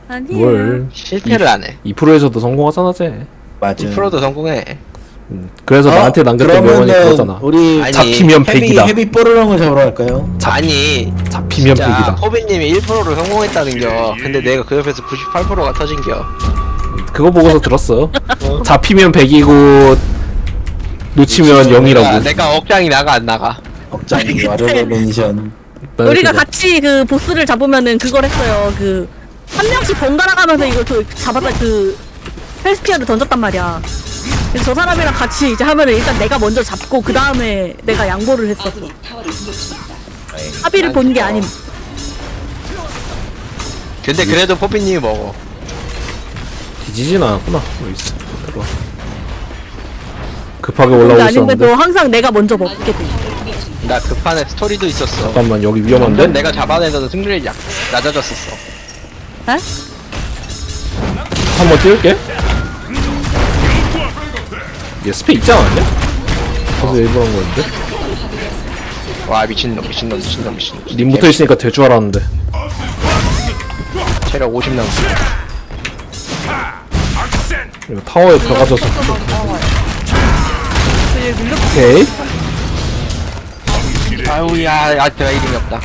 아니야. 뭘 실패를 안 해. 2%에서도 성공하잖아 쟤. 맞아. 2%도 성공해. 그래서 나한테 남겼던 명언이 그거잖아. 우리 아니, 잡히면 백이다. 헤비 뽀르렁을 잡으러 갈까요? 아니 잡히면 진짜 백이다. 호빈님이 1%로 성공했다는겨. 근데 내가 그 옆에서 98%가 터진겨. 그거 보고서 들었어. 잡히면 100이고 놓치면 0이라고. 내가 억장이 나가 안 나가. 억장이 와르르 멘션. 우리가 같이 그 보스를 잡으면은 그걸 했어요. 그 한 명씩 번갈아 가면서 이걸 그 잡았다 그 헬스피아를 던졌단 말이야. 그래서 저 사람이랑 같이 이제 하면은 일단 내가 먼저 잡고 그 다음에 내가 양보를 했었어. 합의를 본 게 아님. 근데 그래도 포피님이 먹어. 뒤지진 않았구나. 여기 있어. 들어와. 급하게 근데 올라오고 아닌데도 있었는데. 항상 내가 먼저 먹게 돼. 나 그 판에 스토리도 있었어. 잠깐만 여기 완전 위험한데? 내가 잡아내서도 승률이 낮아졌었어. 에? 한번 띄울게. 얘 스페 있지 않았냐? 그래서 일부러 한 거였는데? 와 미친놈. 님 붙어 있으니까 될 줄 알았는데. 체력 50 남았어. 이거 타워에 들어가져서. 오케이. 아우야, 내가 이름이 없다.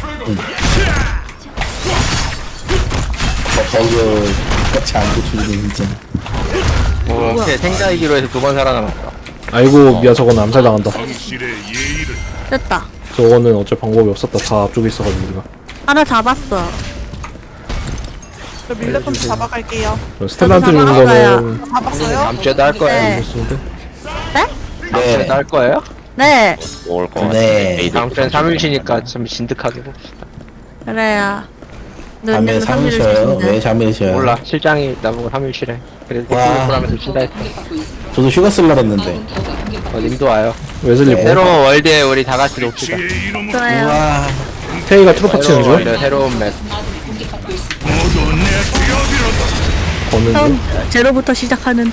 버그 같이 안 고쳐주네 진짜. 오케이, 생자이기로 해서 2번 살아남았다. 아이고 미아 저건 암살당한다. 됐다. 저거는 어쩔 방법이 없었다. 다 앞쪽에 있어가지고 우리가. 하나 잡았어. 저 밀레 좀 잡아갈게요. 스텔라한테 주는 거는 잡았어요? 다음 주에도 할 거예요. 네. 좋은데? 다음 주에도 할 거예요? 네. 먹을 거 네. 다음 주엔 3일 쉬니까 좀 진득하게 봅시다. 그래야. 밤에 잠을 쉬어요? 왜 잠을 쉬어요? 몰라, 실장이 나보고 3일 쉬래. 그래서 와. 개꿀하면서 쉰다 했어. 저도 휴가 쓸라 했는데. 님도 와요. 웨슬리 뭐? 새로운 월드에 우리 다 같이 놉시다. 그래요. 우와. 테이가 트로파 치는 새로운 중? 월드, 새로운 맵. 거는 처음 중? 제로부터 시작하는.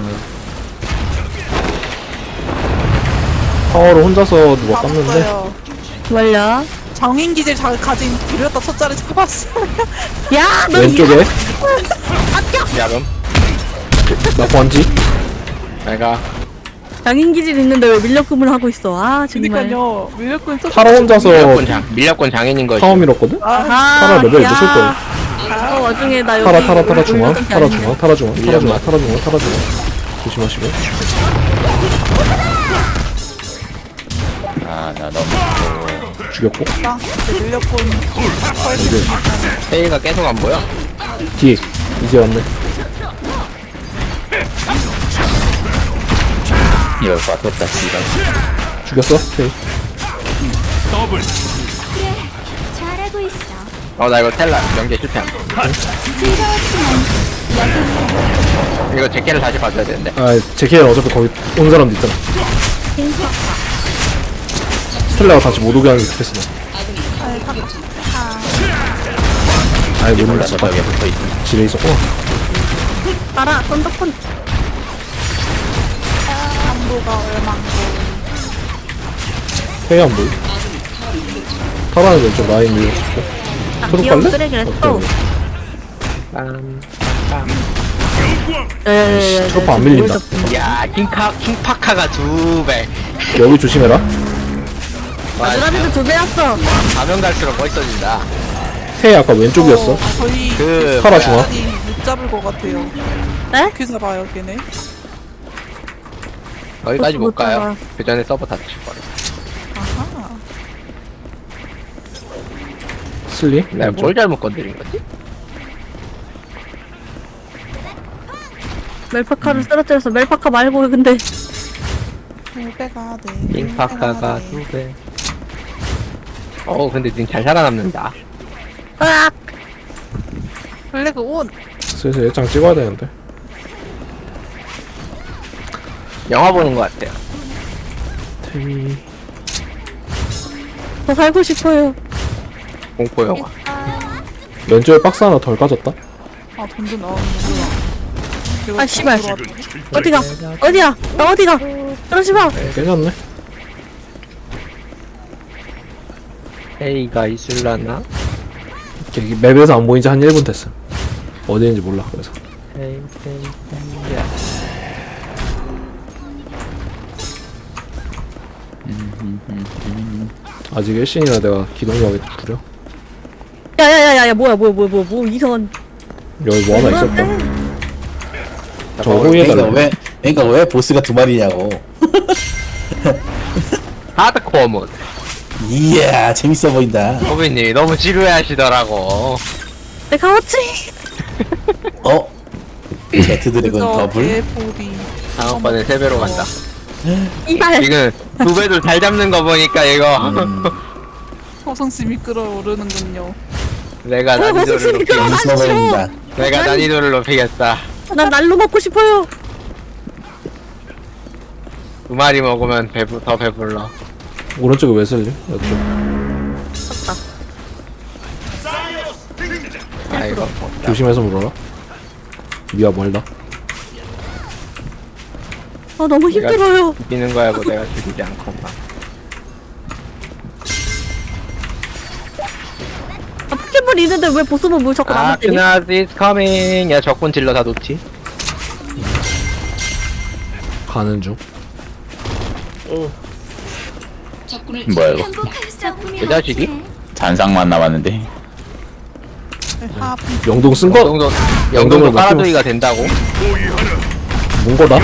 타워를 혼자서 누가 땄는데 잡았어요. 뭘요? 정인 기질 가진 비렸다 첫자리 잡았어요. 야, 너 왼쪽에 야금. 나 번지? 내가 장인 기질 있는데 왜 밀렵금을 하고 있어? 아 정말. 그니까요. 밀레꾼 첫 타라 혼자서 밀렵권 장인인 거지. 타워 밀었거든? 아, 타라 레벨 야. 몇일 거야? 어, 와중에 나 여기 타라 중앙 올렸던 게 타라 아니네. 중앙 타라 중앙 타라 중앙 타라 중앙 타라 중앙 조심하시고. 아나 너무 죽였고 밀레꾼 페이가 계속 안 보여. 뒤에 이제 왔네. 이럴 것 같았다 씨발. 죽였어? 테이. 잘하고 있어. 나 이거 텔라 연계 실패함. 이거 제캐를 다시 봐줘야 되는데. 아 제키는 어차피 거기 온 사람도 있잖아. 스텔라가 다시 못 오게 하는 게 좋겠어. 아이 못 몰라서 눌렀다. 벽에 붙어있지. 지뢰 있었구나. 알아, 썬더폰. 강도가 얼만고. 테이 안 보이. 타라는 왼쪽 라인 밀렸었고. 아, 트롯 귀여운 갈래? 쓰레기를 오케이. 또. 트로파 안 밀린다. 야, 킹파카가 2배. 여기 조심해라. 와, 누나들도 2배였어. 가면 갈수록 멋있어진다. 테이 아까 왼쪽이었어. 저희 그 타라 뭐야, 중앙. 아니 못 잡을 것 같아요. 네? 어떻게 잡아요, 걔네? 거기까지 못 못 가요. 잡아. 그 전에 서버 다 치버려. 아하. 슬리. 내가 뭘 잘못 건드린 거지? 멜파카를 쓰러뜨려서 멜파카 말고 근데 물배가 네. 킹파카가 2배. 근데 님 잘 살아남는다. 으악! 블랙 온. 슬슬 일장 찍어야 되는데. 영화 보는 것 같아요. 테이. 더 살고 싶어요. 공포 영화. 왼쪽에 박스 하나 덜 까졌다. 아 던져 나오는구나. 아, 씨발. 어디가? 어디야? 나 어디가? 그러지 마. 깨졌네. 페이가 있을라나? 여기 맵에서 안 보인 지 한 1분 됐어. 어디인지 몰라. 그래서 아직 1신이라 내가 기동력이 부려. 야야야야 뭐야 이상한. 여기 뭐 하나 있었다. 저 그러니까 호위해달라. 왜 보스가 두 마리냐고. 하드코어 모드. 이야 재밌어 보인다. 호빈님이 너무 지루해하시더라고. 내가 왔지. 어? 제트 드래곤 그래서 더블? 개보리. 다음번에 3배로 간다. 이발. 지금 2배도 잘 잡는 거 보니까 이거 허성심이 끌어오르는군요. 내가 난이도를 높이 재밌어 보인다. 내가 난이도를 높이겠다. 난 날로 먹고 싶어요. 2마리 먹으면 더 배불러. 오른쪽에 왜 쓸려? 이쪽. 아이고 조심해서 물어라. 미아 멀다. 아 너무 힘들어요. 죽이는 거야 뭐 내가 죽이지 않고만. 아 포켓몬 있는데 왜 보스만 뭘 자꾸 나만 때리? 아크나스 is coming. 야 적군 딜러 다 놓지. 가는 중. 뭐야 이거 행복할 수 없으면 그 자식이? 어떡해. 잔상만 남았는데 하부 영동 쓴 거? 영동도 영동을 영동도 맡기고- 깔아두기가 된다고? 뭔 거다?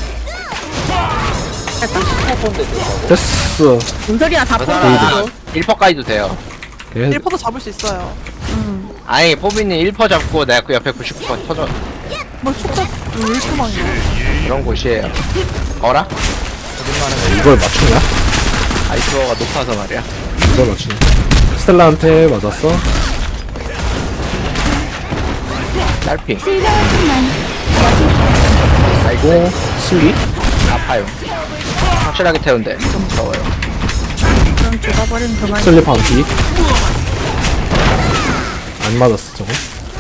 됐어. 뭔 소리야 다 그 포기. 사람 1퍼까지도 돼요. 걔 1퍼도 잡을 수 있어요. 아니 포비님 1퍼 잡고 내가 그 옆에 99퍼 터져. 뭘 촉잡 왜 1퍼만이야? 그런 곳이에요. 어라? 이걸 맞추냐? 아이스버가 높아서 말이야. 이걸 맞추냐? 스텔라한테 맞았어. 딸핑. 아이고 슬리? 아파요. 확실하게 태운데 좀 무서워요. 그럼 죽어버리면 그만. 슬리 반피. 안 맞았어 저거.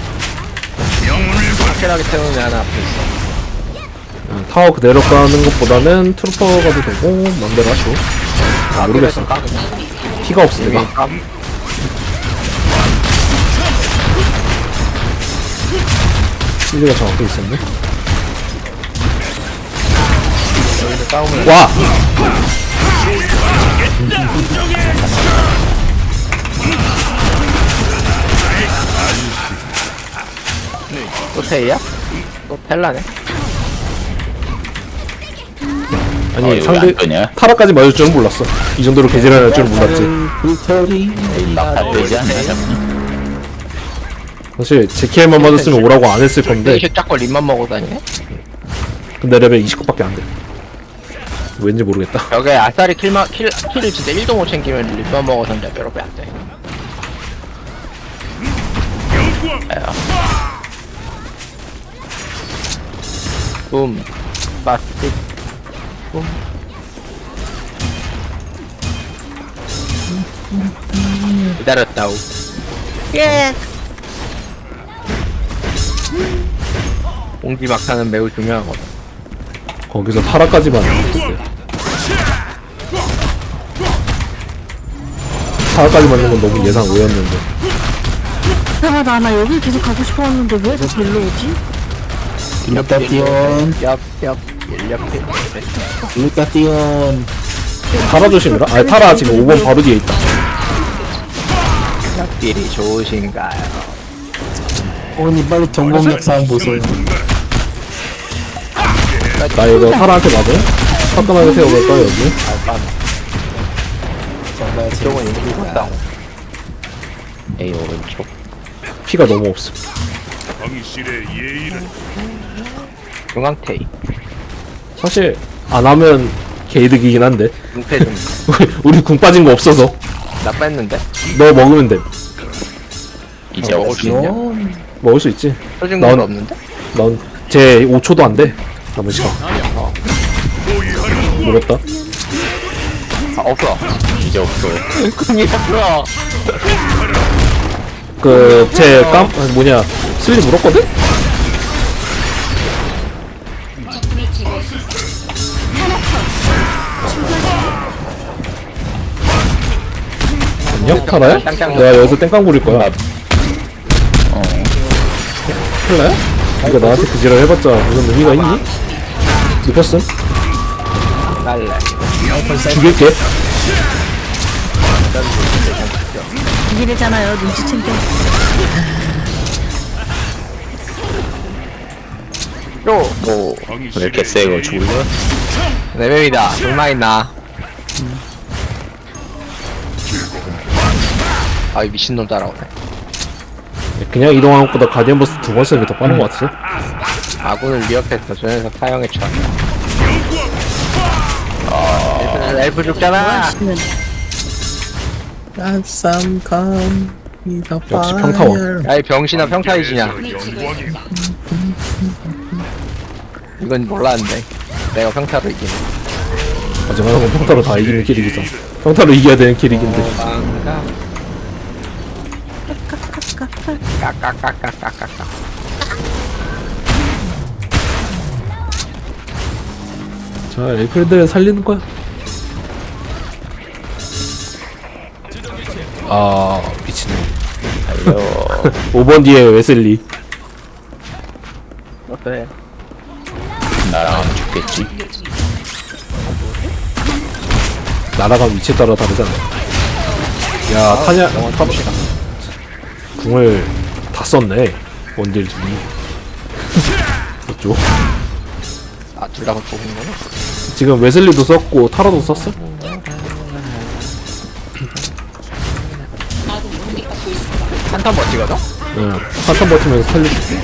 확실하게 태우면 하나 앞에 있어. 타워 그대로 까는 것보다는 트루퍼 가도 되고 맘대로 하시오. 아, 모르겠어. 피가 없어 내가. 슬리가 정확히 있었네. 와! 또 테이야? 또 텔라네? 아니 이거 상대 안 끄냐? 타라까지 맞을 줄은 몰랐어. 이 정도로 개질을 할 줄은 몰랐지. 다 되지 않나 잡니? 사실 제키엘만 맞았으면 오라고 안 했을 건데 이슈 짝걸 립만 먹고 다니네? 근데 레벨 29밖에 안 돼. 왠지 모르겠다. 벽에 아싸리 킬을 진짜 1도 못 챙기면 립만 먹어서 이제 뼈로빼 안 돼. 붐, 바스틱, 붐. 기다렸다우. 예. 공지 막타는 매우 중요하거든. 거기서 타라까지만 했는데. 타라까지 맞는 건 너무 예상 외였는데. 대박아 나 여기 계속 가고 싶었는데 왜 자꾸 일로 오지? 글루타티온 얍얍 일렵해. 글루타티온. 타라 조심해라. 아니 타라 지금 5번 바로 뒤에 있다. 얍딜이 좋으신가요? 오니 빨리 전공력 사항 보세요. 나 이거 타라한테 맞아? 화끈하게 세워볼까 여기? 정말 이쪽은 이미 재밌습니다. 죽었다. A 오른쪽 피가 너무 없어. 중앙테이. 사실 안 하면 개이득이긴 한데 중패 좀. 우리 궁 빠진 거 없어서 나 뺐는데? 너 먹으면 돼. 이제 먹을 수 있냐? 먹을 수 있지. 터진 넌- 건 없는데? 넌제 5초도 안 돼. 남은 시간. 모르겠다. 아 없어. 이제 없어. 궁이 없어. 뭐냐 슬리 물었거든? 안녕 타라야? 내가 여기서 땡깡 부릴 거야. 헬라야? 네가 나한테 그 지랄 해봤자 무슨 의미가 있니? 눕혔음? 날래. 죽일게. 이래잖아요 눈치챈 게. 뭐, 왜 이렇게 세고 죽을래? 내 맵이다. 정말 있나? 아, 이 미친놈 따라오네. 그냥 이동하는 것보다 가디언 버스 2번 쓰는 게 더 빠른 것 같아. 아군을 위협해서 저 녀석 사형에 처한다. 엘프 죽잖아. 지금 역시 평타원. 야, 이 병신아 평타이지냐. 이건 몰랐는데. 내가 평타로 이기네. 하지만 건 평타로 다 이기는 캐릭이잖아. 평타로 이겨야 되는 캐릭인데. 까까까까까까까. 자, 엘프들 살리는 거야. 아, 미친놈. 달려. 5번 뒤에 웨슬리. 어때? 나랑 하면 죽겠지. 날아간 위치에 따라 다르잖아. 야, 타냐, 궁을 다 썼네. 원딜 중이. 어쩌? 아, 둘 다 뽑은 거네? 지금 웨슬리도 썼고, 타라도 썼어? 한턴 버티거든? 응. 한턴 버티면서 살려줄게.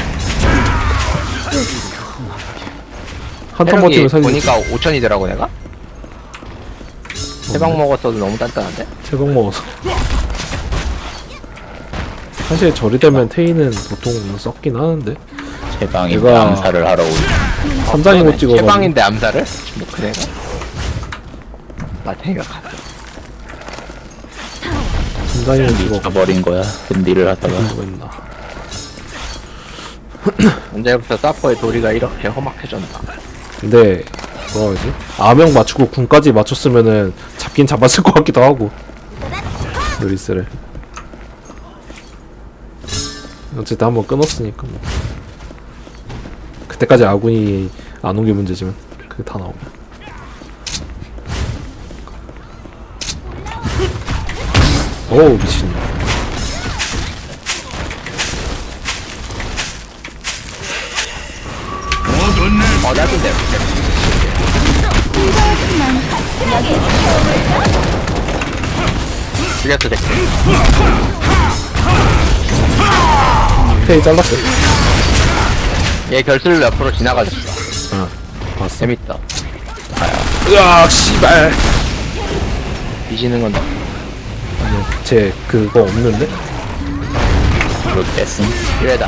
한턴 버티면 살려줄게. 보니까 5천이더라고 내가? 세방 먹었어도 너무 단단한데? 세방 먹어서. 사실 저리 되면 테이는 보통 썩긴 하는데. 제방이 내가- 암살을 하러 오지. 3장이고 찍어가지고. 해방인데 암살을? 뭐 그래가? 마탱이가 갔어. 3장이고 이거 가버린 거야. 근디를 하다가. 뭐 했나. 언제부터 사퍼의 도리가 이렇게 험악해졌나? 근데 뭐라 하지? 아명 맞추고 군까지 맞췄으면은 잡긴 잡았을 것 같기도 하고. 루이스를 어쨌든 한번 끊었으니까 뭐. 그때까지 아군이 안 온 게 문제지만 그게 다 나오면. 어우 미친. 나쁜데. 죽였어, 쟤. 테이 잘랐어. 얘 결슬로 옆으로 지나가졌어. 아 봤어. 재밌다. 으악 씨발. 뒤지는 건 아니 쟤 그거 없는데? 그걸 뺐음. 기회다.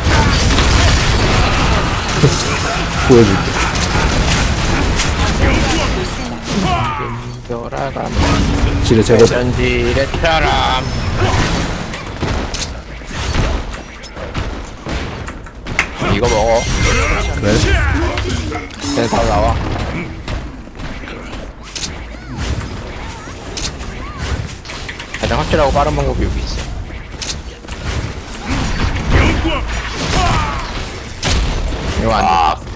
보여줄게. 돌아가면 지뢰 제거. 전지의 사람. 이거 먹어. 그래? 그냥 다 나와. 가장 확실하고 빠른 방법이 여기 있어. 이거 안 돼.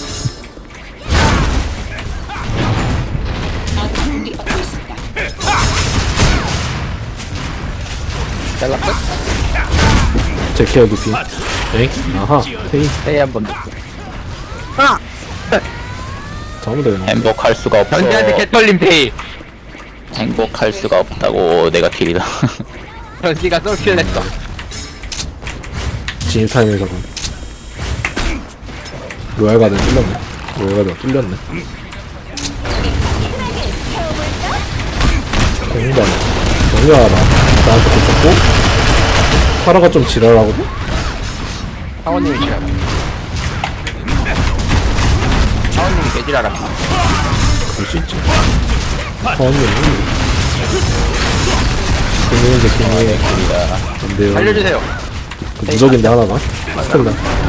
잘랐어? 제키아 두피. 엥? 아하. 테이. 세이 한번 더. 아 잡으면 되겠네. 행복할 수가 없어. 전지한테 개털림 페이. 행복할 수가 없다고. 내가 킬이다. 전지가 솔킬 냈어. 진입 타임에다가 로얄 가든 뚫렸네. 로얄 가든 뚫렸네. 정말 정리하라. 나한테 붙였고 파라가 좀 지랄하거든? 사원님이 지랄. 사원님이 개지랄아. 그럴 수 있지. 사원님은 금융인데 금융에 안돼요. 살려주세요. 그 무적인데 하나가? 스텔라.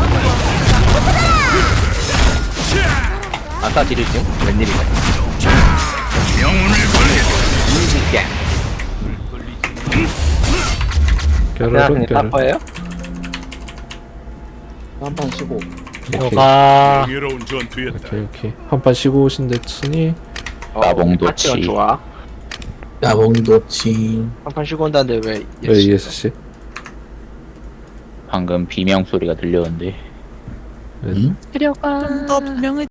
아싸 지르지? 웬일이야? 영혼을 걸게. 깨르륵 생각하니 깨르륵. 사퍼예요? 한판 쉬고. 들어가. 명예로운 전투였다. 오케이. 한판 쉬고 오신댔으니 나봉도치. 파티가 좋아. 나봉도치. 한판 쉬고 온다는데 왜? 왜 ESC? 방금 비명 소리가 들렸는데 네. 들어가. 좀더 분명히